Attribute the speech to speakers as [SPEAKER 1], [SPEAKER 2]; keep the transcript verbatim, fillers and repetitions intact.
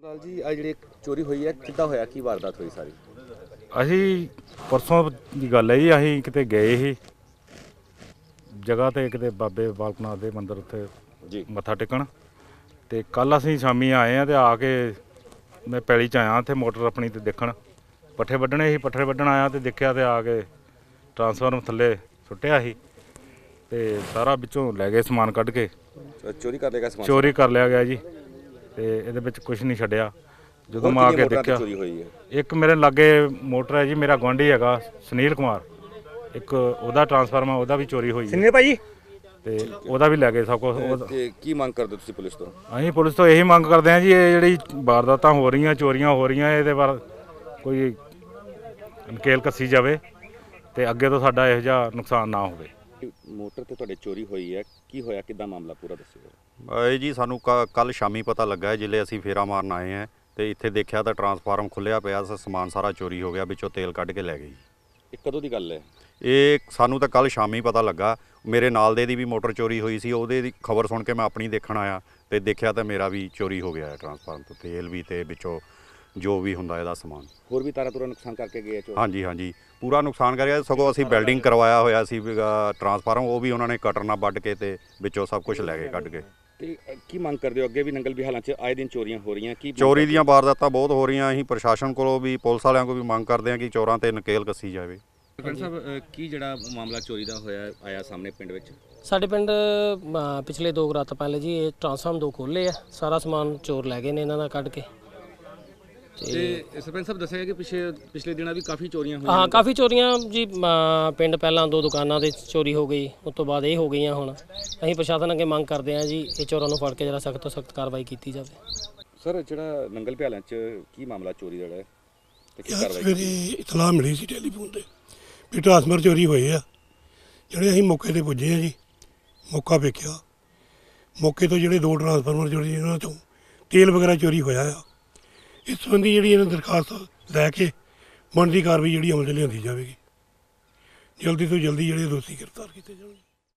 [SPEAKER 1] ਲਾਲ ਜੀ ਆ ਜਿਹੜੀ ਚੋਰੀ ਹੋਈ ਹੈ ਕਿੱਦਾਂ ਹੋਇਆ ਕੀ ਵਾਰਦਾਤ ਹੋਈ ਸਾਰੀ?
[SPEAKER 2] ਅਸੀਂ ਪਰਸੋਂ ਦੀ ਗੱਲ ਹੈ ਜੀ, ਅਸੀਂ ਕਿਤੇ ਗਏ ਸੀ ਜਗ੍ਹਾ ਤੇ ਕਿਤੇ ਬਾਬੇ ਬਾਲਕ ਨਾਥ ਦੇ ਮੰਦਿਰ ਉੱਤੇ
[SPEAKER 1] ਜੀ
[SPEAKER 2] ਮੱਥਾ ਟੇਕਣ, ਤੇ ਕੱਲ ਅਸੀਂ ਸ਼ਾਮੀ ਆਏ ਆ ਤੇ ਆ ਕੇ ਮੈਂ ਪੈਲੀ 'ਚ ਆਇਆ ਉੱਥੇ ਮੋਟਰ ਆਪਣੀ ਤੇ ਦੇਖਣ ਪੱਠੇ ਵੱਢਣੇ ਸੀ। ਪੱਠੇ ਵੱਢਣ ਆਇਆ ਤੇ ਦੇਖਿਆ ਤੇ ਆ ਕੇ ਟਰਾਂਸਫਾਰਮ ਥੱਲੇ ਸੁੱਟਿਆ ਸੀ ਤੇ ਸਾਰਾ ਵਿੱਚੋਂ ਲੈ ਗਏ ਸਮਾਨ ਕੱਢ ਕੇ।
[SPEAKER 1] ਚੋਰੀ ਕਰ ਲਿਆ ਸਮਾਨ?
[SPEAKER 2] ਚੋਰੀ ਕਰ ਲਿਆ ਗਿਆ ਜੀ, ਤੇ ਇਹਦੇ ਵਿੱਚ ਕੁਝ ਨਹੀਂ ਛੱਡਿਆ। ਜਦੋਂ ਮੈਂ ਆ ਕੇ ਦੇਖਿਆ,
[SPEAKER 1] ਚੋਰੀ ਹੋਈ ਹੈ
[SPEAKER 2] ਇੱਕ ਮੇਰੇ ਲਾਗੇ ਮੋਟਰ ਹੈ ਜੀ, ਮੇਰਾ ਗੁਆਂਢੀ ਹੈਗਾ ਸੁਨੀਲ ਕੁਮਾਰ, ਇੱਕ ਉਹਦਾ ਟਰਾਂਸਫਾਰਮ ਆ, ਉਹਦਾ ਵੀ ਚੋਰੀ ਹੋਈ
[SPEAKER 3] ਸੁਨੀਲ ਭਾਜੀ,
[SPEAKER 2] ਤੇ ਉਹਦਾ ਵੀ ਲੈ ਗਏ ਸਭ ਕੁਝ।
[SPEAKER 1] ਤੇ ਕੀ ਮੰਗ ਕਰਦੇ ਤੁਸੀਂ ਪੁਲਿਸ ਤੋਂ?
[SPEAKER 2] ਅਸੀਂ ਪੁਲਿਸ ਤੋਂ ਇਹੀ ਮੰਗ ਕਰਦੇ ਹਾਂ ਜੀ, ਇਹ ਜਿਹੜੀ ਵਾਰਦਾਤਾਂ ਹੋ ਰਹੀਆਂ, ਚੋਰੀਆਂ ਹੋ ਰਹੀਆਂ, ਇਹਦੇ ਬਾਰੇ ਕੋਈ ਨਕੇਲ ਕੱਸੀ ਜਾਵੇ ਤੇ ਅੱਗੇ ਤੋਂ ਸਾਡਾ ਇਹੋ ਜਿਹਾ ਨੁਕਸਾਨ ਨਾ ਹੋਵੇ।
[SPEAKER 1] ਮੋਟਰ ਤੇ ਤੁਹਾਡੇ ਚੋਰੀ ਹੋਈ ਹੈ, ਕੀ ਹੋਇਆ, ਕਿੱਦਾਂ ਮਾਮਲਾ ਪੂਰਾ ਦੱਸਿਓ।
[SPEAKER 4] ਇਹ ਜੀ ਸਾਨੂੰ ਕੱਲ ਸ਼ਾਮੀ ਪਤਾ ਲੱਗਾ ਜਿੱਲੇ ਅਸੀਂ ਫੇਰਾ ਮਾਰਨ ਆਏ ਹਾਂ ਤੇ ਇੱਥੇ ਦੇਖਿਆ ਤਾਂ ਟਰਾਂਸਫਾਰਮ ਖੁੱਲਿਆ ਪਿਆ, ਸਮਾਨ ਸਾਰਾ ਚੋਰੀ ਹੋ ਗਿਆ, ਵਿੱਚੋਂ ਤੇਲ ਕੱਢ ਕੇ ਲੈ ਗਏ।
[SPEAKER 1] ਇਹ ਕਦੋਂ ਦੀ ਗੱਲ ਹੈ?
[SPEAKER 4] ਇਹ ਸਾਨੂੰ ਤਾਂ ਕੱਲ ਸ਼ਾਮੀ ਪਤਾ ਲੱਗਾ। ਮੇਰੇ ਨਾਲ ਦੇ ਦੀ ਵੀ ਮੋਟਰ ਚੋਰੀ ਹੋਈ ਸੀ, ਉਹਦੇ ਦੀ ਖਬਰ ਸੁਣ ਕੇ ਮੈਂ ਆਪਣੀ ਦੇਖਣ ਆਇਆ ਤੇ ਦੇਖਿਆ ਤਾਂ ਮੇਰਾ ਵੀ ਚੋਰੀ ਹੋ ਗਿਆ ਹੈ, ਟਰਾਂਸਫਾਰਮ ਤੋਂ ਤੇਲ ਵੀ ਤੇ ਵਿੱਚੋਂ ਜੋ ਵੀ ਹੁੰਦਾ ਇਹਦਾ ਸਮਾਨ।
[SPEAKER 1] ਹੋਰ ਵੀ ਤਾਰਾ ਤੁਰਾ ਨੁਕਸਾਨ ਕਰਕੇ ਗਏ ਚੋਰ?
[SPEAKER 4] ਹਾਂਜੀ ਹਾਂਜੀ, ਪੂਰਾ ਨੁਕਸਾਨ ਕਰਿਆ। ਸਗੋਂ ਅਸੀਂ ਬਿਲਡਿੰਗ ਕਰਵਾਇਆ ਹੋਇਆ ਸੀ ਟਰਾਂਸਫਾਰਮ, ਉਹ ਵੀ ਉਹਨਾਂ ਨੇ ਕਟਰ ਨਾਲ ਵੱਢ ਕੇ ਤੇ ਵਿੱਚੋਂ ਸਭ ਕੁਝ ਲੈ ਗਏ ਕੱਢ ਕੇ।
[SPEAKER 1] ਤੇ ਕੀ ਮੰਗ ਕਰਦੇ ਹੋ? ਅੱਗੇ ਵੀ ਨੰਗਲ ਵਿਹਾਲਾਂ 'ਚ ਆਏ ਦਿਨ ਚੋਰੀਆਂ ਹੋ ਰਹੀਆਂ, ਕੀ
[SPEAKER 4] ਚੋਰੀ ਦੀਆਂ ਵਾਰਦਾਤਾਂ ਬਹੁਤ ਹੋ ਰਹੀਆਂ। ਅਸੀਂ ਪ੍ਰਸ਼ਾਸਨ ਕੋਲੋਂ ਵੀ ਪੁਲਿਸ ਵਾਲਿਆਂ ਕੋਲ ਵੀ ਮੰਗ ਕਰਦੇ ਹਾਂ ਕਿ ਚੋਰਾਂ ਤੇ ਨਕੇਲ ਕੱਸੀ ਜਾਵੇ।
[SPEAKER 1] ਸਰਪੰਚ ਸਾਹਿਬ, ਕੀ ਜਿਹੜਾ ਮਾਮਲਾ ਚੋਰੀ ਦਾ ਹੋਇਆ ਆਇਆ ਸਾਹਮਣੇ ਪਿੰਡ ਵਿੱਚ?
[SPEAKER 3] ਸਾਡੇ ਪਿੰਡ ਅ, ਪਿਛਲੇ ਦੋ ਕੁ ਰਾਤ ਪਹਿਲੇ ਜੀ ਇਹ ਟਰਾਂਸਫਾਰਮ ਦੋ ਖੋਲ੍ਹੇ ਆ, ਸਾਰਾ ਸਮਾਨ ਚੋਰ ਲੈ ਗਏ ਨੇ ਇਹਨਾਂ ਦਾ ਕੱਢ ਕੇ।
[SPEAKER 1] ਤੇ ਸਰਪੰਚ ਸਾਹਿਬ ਦੱਸਿਆ ਕਿ ਪਿਛੇ ਪਿਛਲੇ ਦਿਨਾਂ ਵੀ ਕਾਫੀ ਚੋਰੀਆਂ ਹੋਈਆਂ?
[SPEAKER 3] ਹਾਂ, ਕਾਫੀ ਚੋਰੀਆਂ ਜੀ। ਅ, ਪਿੰਡ ਪਹਿਲਾਂ ਦੋ ਦੁਕਾਨਾਂ ਦੇ ਚੋਰੀ ਹੋ ਗਈ, ਉਸ ਤੋਂ ਬਾਅਦ ਇਹ ਹੋ ਗਈਆਂ। ਹੁਣ ਅਸੀਂ ਪ੍ਰਸ਼ਾਸਨ ਅੱਗੇ ਮੰਗ ਕਰਦੇ ਹਾਂ ਜੀ, ਇਹ ਚੋਰਾਂ ਨੂੰ ਫੜ ਕੇ ਜਿਹੜਾ ਸਖਤ ਤੋਂ ਸਖਤ ਕਾਰਵਾਈ ਕੀਤੀ ਜਾਵੇ।
[SPEAKER 1] ਸਰ, ਜਿਹੜਾ ਨੰਗਲ ਵਿਹਾਲਾਂ 'ਚ ਕੀ ਮਾਮਲਾ ਚੋਰੀ ਦਾ ਹੈ ਤੇ ਕੀ
[SPEAKER 5] ਯਾਰ
[SPEAKER 1] ਕਾਰਵਾਈ?
[SPEAKER 5] ਸਵੇਰੇ ਇਤਲਾਹ ਮਿਲੀ ਸੀ ਟੈਲੀਫੋਨ ਤੇ ਵੀ ਟਰਾਂਸਫਰ ਚੋਰੀ ਹੋਏ ਆ। ਜਿਹੜੇ ਅਸੀਂ ਮੌਕੇ ਤੇ ਪੁੱਜੇ ਆ ਜੀ, ਮੌਕਾ ਵੇਖਿਆ। ਮੌਕੇ ਤੋਂ ਜਿਹੜੇ ਦੋ ਟਰਾਂਸਫਾਰਮਰ ਚੋਰੀ, ਉਹਨਾਂ ਤੋਂ ਤੇਲ ਵਗੈਰਾ ਚੋਰੀ ਹੋਇਆ ਆ। ਇਸ ਸੰਬੰਧੀ ਜਿਹੜੀ ਇਹਨਾਂ ਦਰਖਾਸਤ ਲੈ ਕੇ ਬਣਦੀ ਕਾਰਵਾਈ ਜਿਹੜੀ ਅਮਲ 'ਚ ਲਿਆਂਦੀ ਜਾਵੇਗੀ। ਜਲਦੀ ਤੋਂ ਜਲਦੀ ਜਿਹੜੇ ਦੋਸ਼ੀ ਗ੍ਰਿਫਤਾਰ ਕੀਤੇ ਜਾਣਗੇ।